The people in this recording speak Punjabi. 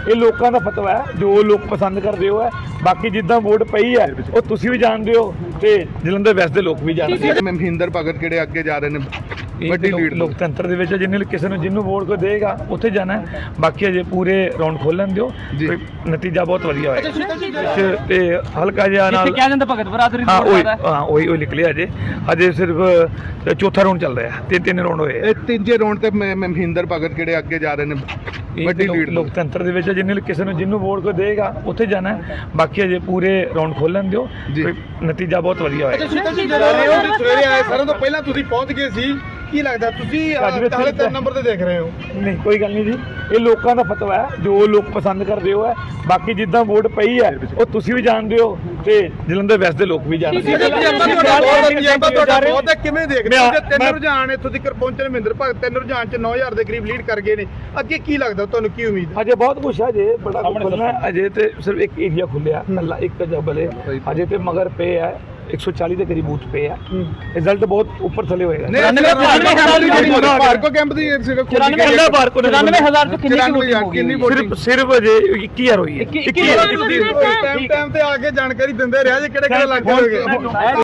ਇਹ ਲੋਕਾਂ ਦਾ ਫਤਵਾ ਹੈ, ਜੋ ਲੋਕ ਪਸੰਦ ਕਰਦੇ ਹੋ ਹੈ। ਬਾਕੀ ਜਿੱਦਾਂ ਵੋਟ ਪਈ ਹੈ ਉਹ ਤੁਸੀਂ ਵੀ ਜਾਣਦੇ ਹੋ ਤੇ ਜਲੰਧਰ ਵੈਸਟ ਦੇ ਲੋਕ ਵੀ ਜਾਣਦੇ ਹੋ। ਮਹਿੰਦਰ ਭਗਤ ਕਿਹੜੇ ਅੱਗੇ ਜਾ ਰਹੇ ਨੇ ਇਹ ਵੱਡੀ ਲੀਡ ਲੋਕਤੰਤਰ ਦੇ ਵਿੱਚ ਜਿਹਨੇ ਕਿਸੇ ਨੂੰ ਜਿਹਨੂੰ ਵੋਟ ਕੋ ਦੇਗਾ ਉੱਥੇ ਜਾਣਾ ਹੈ। ਬਾਕੀ ਅਜੇ ਪੂਰੇ ਰਾਉਂਡ ਖੋਲਣ ਦਿਓ, ਨਤੀਜਾ ਬਹੁਤ ਵਧੀਆ ਹੋਏਗਾ ਤੇ ਹਲਕਾ ਜਿਹਾ ਨਾਲ ਕਿਹਾ ਜਾਂਦਾ ਭਗਤ ਬਰਾਦਰੀ ਹਾਂ ਉਹੀ ਨਿਕਲਿਆ ਅਜੇ ਸਿਰਫ ਚੌਥਾ ਰਾਉਂਡ ਚੱਲ ਰਿਹਾ, ਤਿੰਨ ਰਾਉਂਡ ਹੋਏ। ਇਹ ਤੀਜੇ ਰਾਉਂਡ ਤੇ ਮਹਿੰਦਰ ਭਗਤ ਕਿਹੜੇ ਅੱਗੇ ਜਾ ਰਹੇ ਨੇ ਵੱਡੀ ਲੀਡ ਲੋਕਤੰਤਰ ਦੇ ਵਿੱਚ ਜਿਹਨੇ ਕਿਸੇ ਨੂੰ ਜਿਹਨੂੰ ਵੋਟ ਕੋ ਦੇਗਾ ਉੱਥੇ ਜਾਣਾ ਹੈ। ਬਾਕੀ ਅਜੇ ਪੂਰੇ ਰਾਉਂਡ ਖੋਲਣ ਦਿਓ, ਨਤੀਜਾ ਬਹੁਤ ਵਧੀਆ ਹੋਏਗਾ। ਸਵੇਰੇ ਆਏ ਸਾਰਿਆਂ ਤੋਂ ਪਹਿਲਾਂ ਤੁਸੀਂ ਪਹੁੰਚ ਗਏ ਸੀ, ਕੀ ਲੱਗਦਾ ਤੁਸੀਂ ਹਾਲੇ 3 ਨੰਬਰ ਤੇ ਦੇਖ ਰਹੇ ਹੋ? ਨਹੀਂ ਕੋਈ ਗੱਲ ਨਹੀਂ ਜੀ, ਇਹ ਲੋਕਾਂ ਦਾ ਫਤਵਾ ਹੈ, ਜੋ ਲੋਕ ਪਸੰਦ ਕਰਦੇ ਹੋ ਹੈ। ਬਾਕੀ ਜਿੱਦਾਂ ਵੋਟ ਪਈ ਹੈ ਉਹ ਤੁਸੀਂ ਵੀ ਜਾਣਦੇ ਹੋ ਤੇ ਜਲੰਧਰ ਵੈਸਟ ਦੇ ਲੋਕ ਵੀ ਜਾਣਦੇ ਹੋ। ਕਿਵੇਂ ਦੇਖਦੇ ਹੋ ਜੇ 3 ਰੁਝਾਨ ਇੱਥੋਂ ਤੱਕ ਪਹੁੰਚੇ ਨੇ? ਮਹਿੰਦਰ ਭਗਤ 3 ਰੁਝਾਨ ਚ 9000 ਦੇ ਕਰੀਬ ਲੀਡ ਕਰ ਗਏ ਨੇ, ਅੱਗੇ ਕੀ ਲੱਗਦਾ ਤੁਹਾਨੂੰ, ਕੀ ਉਮੀਦ ਹੈ? ਅਜੇ ਬਹੁਤ ਕੁਛ ਹੈ, ਅਜੇ ਬੜਾ ਖੁੱਲਣਾ ਹੈ। ਅਜੇ ਤੇ ਸਿਰਫ ਇੱਕ ਏਰੀਆ ਖੁੱਲਿਆ ਕੱਲਾ ਇੱਕ ਜਬਲ ਹੈ, ਅਜੇ ਤੇ ਮਗਰ ਪੇ ਹੈ 140 ਦੇ ਕਰੀਬ ਬੂਥ ਪੇ ਹੈ। ਰਿਜ਼ਲਟ ਬਹੁਤ ਉੱਪਰ ਥੱਲੇ ਹੋਏਗਾ। ਪਾਰਕੋ ਕੈਂਪ ਦੀ 94,000 ਤੋਂ ਕਿੰਨੀ ਵੋਟਿੰਗ ਸਿਰਫ ਅਜੇ 21,000 ਹੋਈ ਹੈ। ਟਾਈਮ ਤੇ ਆ ਕੇ ਜਾਣਕਾਰੀ ਦਿੰਦੇ ਰਿਹਾ ਜੇ ਕਿਹੜੇ ਕਿਹੜੇ ਇਲਾਕੇ ਹੋਗੇ।